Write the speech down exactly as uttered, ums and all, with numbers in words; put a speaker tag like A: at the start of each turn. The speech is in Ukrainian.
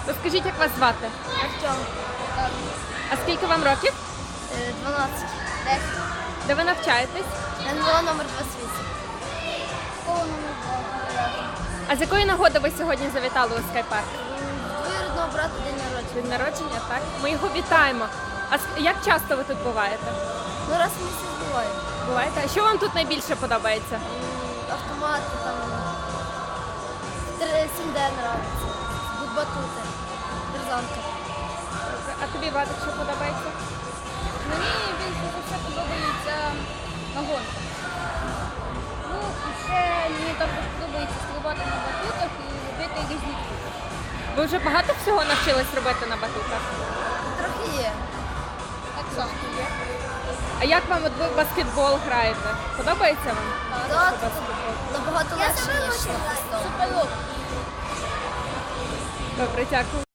A: Розкажіть, як вас звати?
B: Артем.
A: А скільки вам років?
B: дванадцять. десять.
A: Де ви навчаєтесь?
B: ен ем о номер двадцять вісім. Школа номер два.
A: А з якої нагоди ви сьогодні завітали у скайпарк?
B: Двоюрідного брата день народження.
A: День народження, так? Ми його вітаємо. А с- як часто ви тут буваєте?
B: Ну раз в місяць буває.
A: Буваєте? А що вам тут найбільше подобається?
B: М, Автомати там. три- сім де нравиться. Батути. Держанка.
A: А тобі, Вадик, що подобається?
C: Мені більше за все подобається нагон. Ну, і ще мені також подобається стрибати на батутах і робити різні трюки.
A: Ви вже багато всього навчились робити на батутах?
B: Трохи є.
C: Так само.
A: А як вам от ви в баскетбол граєте? Подобається вам?
B: Так, набагато легше, ніж на простому.
C: Супер.
A: Добре, дякую.